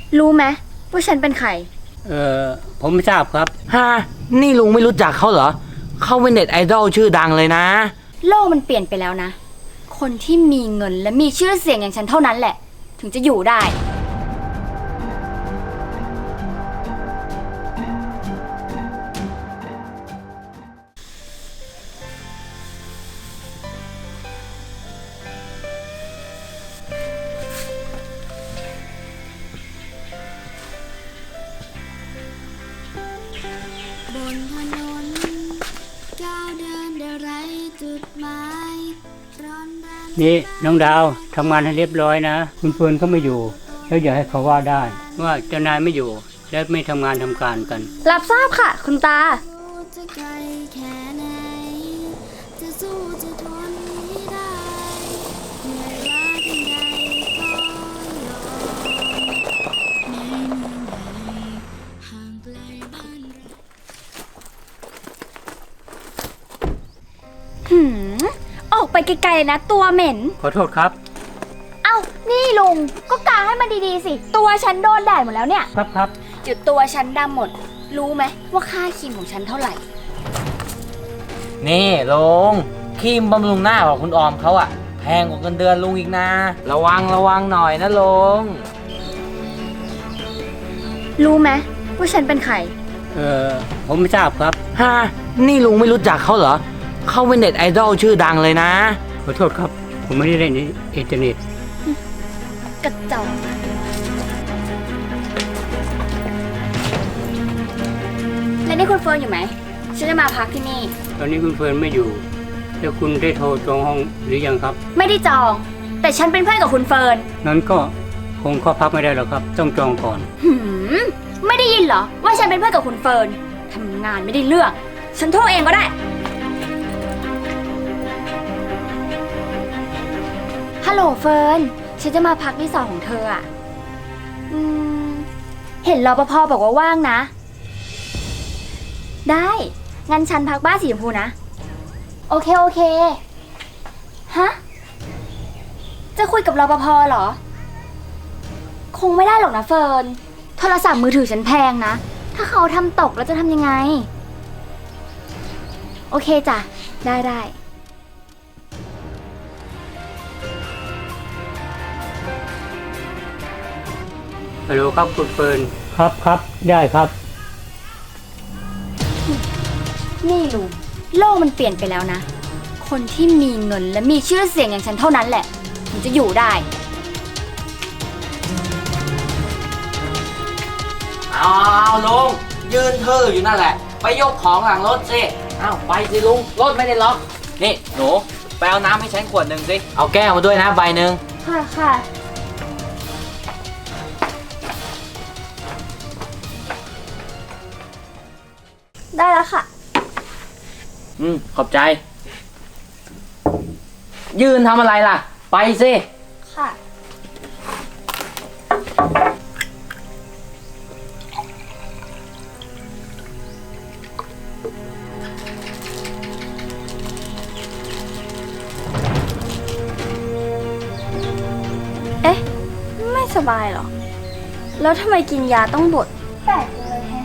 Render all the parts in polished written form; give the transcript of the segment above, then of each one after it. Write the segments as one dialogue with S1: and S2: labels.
S1: รู้ไหมว่าฉันเป็นใคร
S2: เออผมไม่ทราบครับ
S3: ฮะนี่ลุงไม่รู้จักเขาเหรอเขาเป็นเน็ตไอดอลชื่อดังเลยนะ
S1: โลกมันเปลี่ยนไปแล้วนะคนที่มีเงินและมีชื่อเสียงอย่างฉันเท่านั้นแหละถึงจะอยู่ได้
S4: บนถนนก้าวเดินเดไรจุดหมายร้อนแรง
S2: นี่น้องดาวทำงานให้เรียบร้อยนะคุณเฟิร์นเขาไม่อยู่แล้วอย่าให้เขาว่าได้ว่าเจ้านายไม่อยู่และไม่ทำงานทำการกัน
S1: รับทราบค่ะคุณตา
S4: จะไกลแค่ไหนจะสู้จะทนให้ได้เหนื่อยล้าเพียงใดก็ยอมในเมืองใหญ่ห่างไกลบ้านเรา
S1: ออกไปไกลๆนะตัวเหม็น
S2: ขอโทษครับ
S1: เอ้านี่ลุงก็กางให้มันดีๆสิตัวฉันโดนแดดหมดแล้วเนี่ย
S2: ครับ
S1: จุดตัวฉันดำหมดรู้ไหมว่าค่าครีมของฉันเท่าไหร่
S3: นี่ลุงครีมบำรุงหน้าของคุณออมเขาอะแพงกว่าเงินเดือนลุงอีกนะระวังหน่อยนะลุง
S1: รู้ไหมว่าฉันเป็นใคร
S2: ผมไม่ทราบครับ
S3: ฮะนี่ลุงไม่รู้จักเขาเหรอเขาเป็นเน็ตไอดอลชื่อดังเลยนะ
S2: ขอโทษครับผมไม่ได้เล่นอินเทอร์เน็ต
S1: กระจอกแล้วนี่คุณเฟิร์นอยู่ไหมฉันจะมาพักที่นี่
S2: ตอนนี้คุณเฟิร์นไม่อยู่แล้วคุณได้โทรจองห้องหรือยังครับ
S1: ไม่ได้จองแต่ฉันเป็นเพื่อนกับคุณเฟิร์น
S2: นั้นก็คงเข้าพักไม่ได้หรอกครับต้องจองก่อน
S1: ไม่ได้ยินเหรอว่าฉันเป็นเพื่อนกับคุณเฟิร์นทำงานไม่ได้เรื่องฉันโทรเองก็ได้ฮัลโหลเฟิร์นฉันจะมาพักที่สองของเธออ่ะเห็นรปภ.บอกว่าว่างนะได้งั้นฉันพักบ้านสีชมพูนะโอเคฮะจะคุยกับรปภ.เหรอคงไม่ได้หรอกนะเฟิร์นโทรศัพท์มือถือฉันแพงนะถ้าเขาทำตกแล้วจะทำยังไงโอเคจ้ะได้
S2: ฮัลโหลครับคุณเฟิร์นครับได้ครับ
S1: นี่ลุงโลกมันเปลี่ยนไปแล้วนะคนที่มีเงินและมีชื่อเสียงอย่างฉันเท่านั้นแหละถึงจะอยู่ได้
S3: เอาลุงยืนทื่ออยู่นั่นแหละไปยกของหลังรถสิเอาไปสิลุงรถไม่ได้ล็อกนี่หนูไปเอาน้ำให้ฉันขวดหนึ่งสิเอาแก้วมาด้วยนะใบหนึ่ง
S1: ค่ะได้แล้วค่ะ
S3: ขอบใจยืนทำอะไรล่ะไปสิ
S1: ค่ะเอ๊ะไม่สบายหรอแล้วทำไมกินยาต้องบดแปลกเลยแฮะ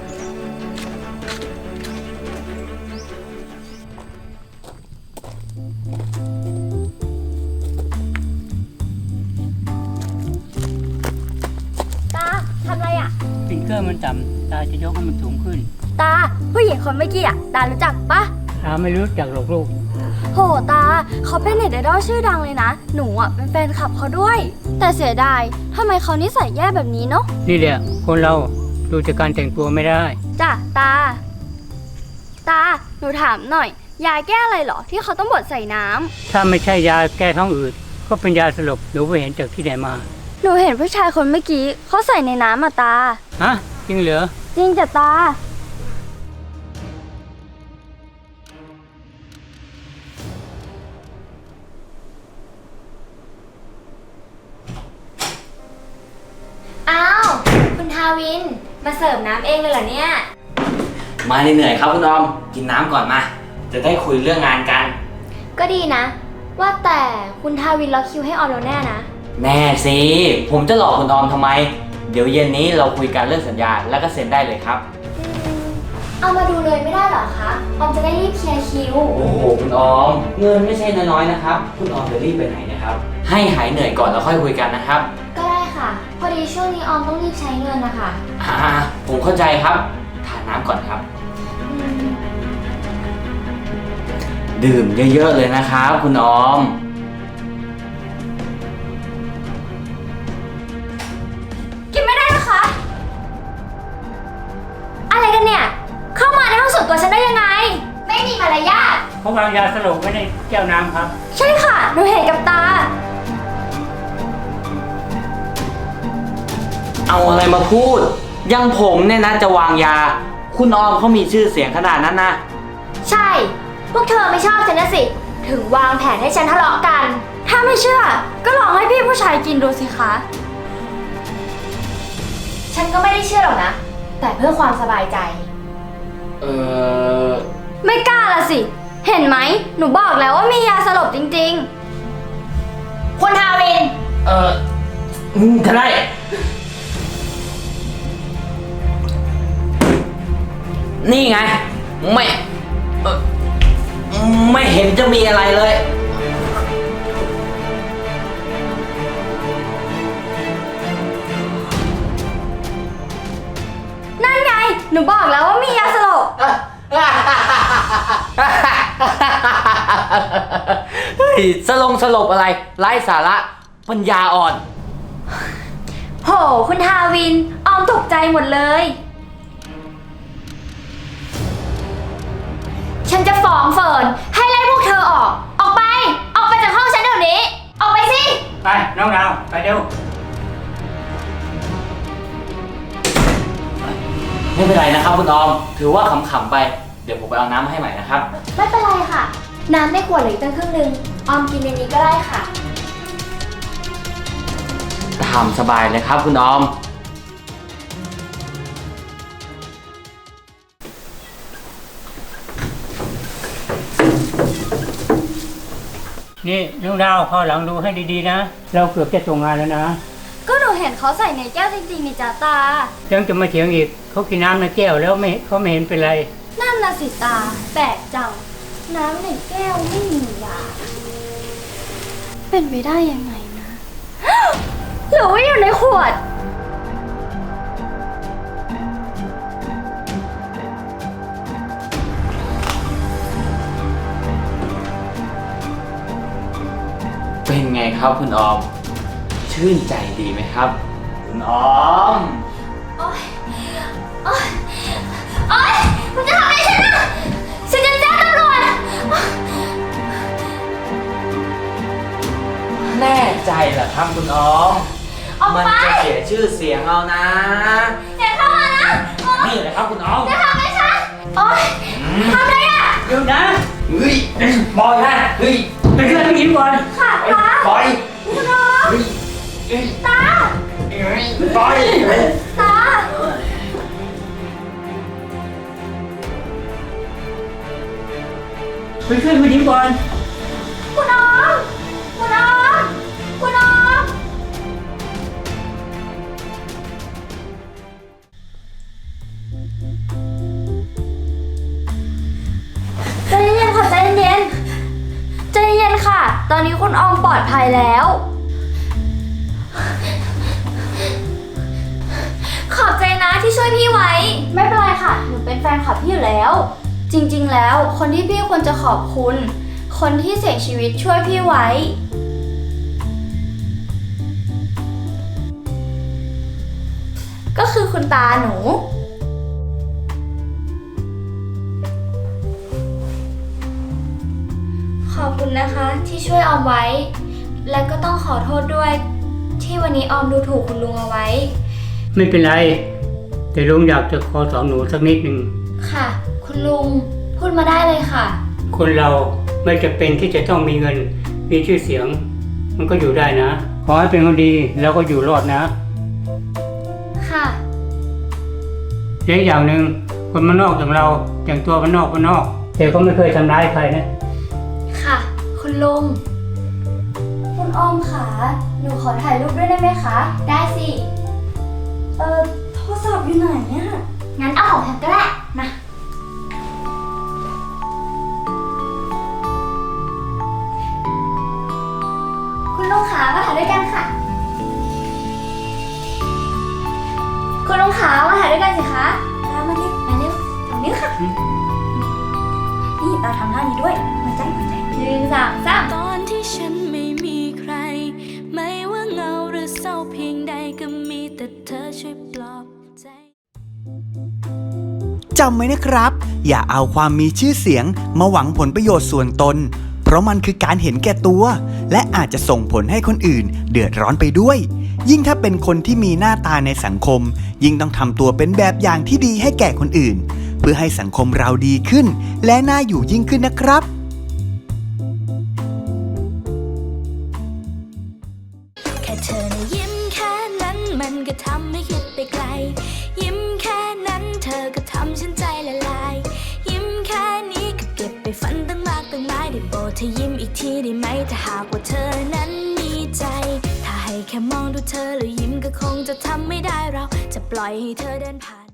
S1: ทำไรอ่ะ
S2: สปิงเกอร์มันต่ำตาจะยกให้มันสูงขึ้น
S1: ตาผู้หญิงคนเมื่อกี้อ่ะตารู้จักปะ
S2: ตาไม่รู้จักหรอกลูก
S1: โหตาเขาเป็นเน็ตไอดอลชื่อดังเลยนะหนูอ่ะเป็นแฟนคลับเขาด้วยแต่เสียดายทำไมเขานิสัยแย่แบบนี้เนาะ
S2: นี่แหละคนเราดูจากการแต่งตัวไม่ได้
S1: จ้ะตาหนูถามหน่อยยาแก้อะไรเหรอที่เขาต้องบดใส่น้ำ
S2: ถ้าไม่ใช่ยาแก้ท้องอืดก็เป็นยาสลบหนูไปเห็นจากที่ไหนมา
S1: หนูเห็นผู้ชายคนเมื่อกี้เขาใส่ในน้ำอ่ะตา
S2: ฮะจริงเหรอ
S1: จริงจ้ะตาอ้าวคุณทาวินมาเสิร์ฟน้ำเองเลยเหรอเนี่ย
S3: มาเหนื่อยครับคุณออมกินน้ำก่อนมาจะได้คุยเรื่องงานกัน
S1: ก็ดีนะว่าแต่คุณทาวินล็อกคิวให้ออมแล้วแน่นะ
S3: แน่สิผมจะหลอกคุณออมทำไมเดี๋ยวเย็นนี้เราคุยกันเรื่องสัญญาแล้วก็เซ็นได้เลยครับ
S1: เอามาดูเลยไม่ได้เหรอคะ ออมจะได้รีบเคลียร์คิว
S3: โอ้โหคุณออม เงินไม่ใช่น้อยๆนะครับ คุณออมจะรีบไปไหนนะครับ ให้หายเหนื่อยก่อนแล้วค่อยคุยกันนะครับ
S1: ก็ได้ค่ะ พอดีช่วงนี้ออมต้องรีบใช้เงินนะคะ
S3: ผมเข้าใจครับทานน้ำก่อนครับ ดื่มเยอะๆเลยนะครับคุณออม
S1: กินไม่ได้นะคะ อะไรกันเนี่ย เข้ามาในห้องส่วนตัวฉันได้ยังไง ไม่มีมารยาท
S2: เขาวางยาสลบไว้ในแก้วน้ำครับ
S1: ใช่ค่ะ หนูเห็นกับตา
S3: เอาอะไรมาพูด ยังผมเนี่ยนะจะวางยา คุณออมเขามีชื่อเสียงขนาดนั้นนะ
S1: ใช่ พวกเธอไม่ชอบฉันนะสิ ถึงวางแผนให้ฉันทะเลาะกัน ถ้าไม่เชื่อ ก็ลองให้พี่ผู้ชายกินดูสิคะ ฉันก็ไม่ได้เชื่อหรอกนะ แต่เพื่อความสบายใจ ไม่กล้าละสิ เห็นไหม หนูบอกแล้วว่ามียาสลบจริงๆ คุณทาวิน
S3: ก็ได้ นี่ไง ไม่เห็นจะมีอะไรเลย
S1: นั่นไง หนูบอกแล้วว่ามียาสลบ
S3: เฮ้ยสลบอะไร ไร้สาระ ปัญญาอ่อน
S1: โห คุณทาวิน ออมตกใจหมดเลย ฉันจะฟ้องเฟิร์นให้ไล่พวกเธอออก ออกไป ออกไปจากห้องฉันเดี๋ยวนี้ ออกไปสิ
S2: ไปน้องดาวไปเร็ว
S3: ไม่เป็นไรนะครับคุณออม ถือว่าขำๆไป เดี๋ยวผมไปเอาน้ำมาให้ใหม่นะครับ
S1: ไม่เป็นไรค่ะ น้ำในขวดเหลือตั้งครึ่งนึง ออมกินในนี้ก็ได้ค่ะ
S3: ตามสบายเลยครับคุณออม
S2: นี่น้องดาวข้อหลังดูให้ดีๆนะ เราเกือบจะส่งงานแล้วนะ
S1: ก็หนูเห็นเขาใส่ในแก้วจริงๆนี่จ้าตา
S2: ยังจะมาเถียงอีกเขากินน้ำในแก้วแล้วเขาไม่เห็นเป็นไร
S1: นั่นน่ะสิตา แปลกจัง น้ำในแก้วไม่มียา เป็นไปได้ยังไงนะ หรือว่าอยู่ในขวด
S3: เป็นไงครับคุณออม ชื่นใจดีไหมครับ คุณออม
S1: โอ๊ย โอ๊ย โอ๊ยคุณจะทำอะไรฉันนะฉันจะแจ้งตำรวจ
S3: แน่ใจเหรอครับคุณออม
S1: ออก
S3: มัน
S1: ไป
S3: จะเสียชื่อเสียงเอานะ
S1: อย่าเข้ามานะโอ๊ย
S3: นี่แหละครับคุณออม
S1: จะทำอะไรฉัน โอ๊ยทำอะไรอ่ะ
S2: เดี๋ยวนะ
S3: เฮ้ยบอยฮะเฮ้ย
S2: ไปช่วยผู้หญิงก่อน
S1: ค่ะตา
S3: บอย
S1: คุณน้อง
S3: เฮ้ย
S1: ตา
S3: บอย
S1: ตา
S2: ไปช่วยผู้หญิงก่อน
S1: คุณน้อง คุณน้อง คุณน้อง ใจเย็นๆค่ะใจเย็นๆใจเย็นๆค่ะ ตอนนี้คุณออมปลอดภัยแล้ว ขอบใจนะที่ช่วยพี่ไว้ ไม่เป็นไรค่ะ หนูเป็นแฟนคลับพี่อยู่แล้ว จริงๆแล้วคนที่พี่ควรจะขอบคุณ คนที่เสี่ยงชีวิตช่วยพี่ไว้ ก็คือคุณตาหนู ขอบคุณนะคะที่ช่วยออมไว้ และก็ต้องขอโทษด้วย ที่วันนี้ออมดูถูกคุณลุงเอาไว้
S2: ไม่เป็นไร แต่ลุงอยากจะขอสอนหนูสักนิดหนึ่ง
S1: ค่ะ คุณลุงพูดมาได้เลยค่ะ
S2: คนเราไม่จะเป็นที่จะต้องมีเงิน มีชื่อเสียง มันก็อยู่ได้นะ ขอให้เป็นคนดีแล้วก็อยู่รอดนะ
S1: ค่ะ
S2: เลี้ยงอย่างหนึ่งคนมันนอกอย่างเราอย่างตัวมันนอกแต่ก็ไม่เคยทำร้ายใครนะ
S1: ค่ะ คุณลุง คุณออมค่ะ หนูขอถ่ายรูปด้วยได้ไหมคะ ได้สิโทรศัพท์อยู่ไหนเนี่ยงั้นเอาของแพมก็ได้มาคุณลุงขามาถ่ายด้วยกันค่ะ คุณลุงขามาถ่ายด้วยกันสิคะมานี่มาเร็วตรงนี้ค่ะ นี่ตาทำหน้านี้ด้วยหัวใจ1 2 3
S4: ตอนที่ฉันไม่มีใคร ไม่ว่าเหงาหรือเศร้าเพียงใดก็มีแต่เธอช่วยปลอบใจ
S5: จำไว้นะครับ อย่าเอาความมีชื่อเสียงมาหวังผลประโยชน์ส่วนตน เพราะมันคือการเห็นแก่ตัว และอาจจะส่งผลให้คนอื่นเดือดร้อนไปด้วย ยิ่งถ้าเป็นคนที่มีหน้าตาในสังคม ยิ่งต้องทำตัวเป็นแบบอย่างที่ดีให้แก่คนอื่น เพื่อให้สังคมเราดีขึ้น และน่าอยู่ยิ่งขึ้นนะครับ
S4: แค่เธอนะยิ้มแค่นั้นมันก็ทำให้คิดไปไกล ยิ้มแค่นั้นเธอก็ทำฉันใจละลาย ยิ้มแค่นี้ก็เก็บไปฝันตั้งมากตั้งหลายได้โปรดเธอยิ้มอีกทีได้ไหมถ้าหากว่าเธอนั้นมีใจ ถ้าให้แค่มองดูเธอแล้วยิ้มก็คงจะทำไม่ได้เราจะปล่อยให้เธอเดินผ่าน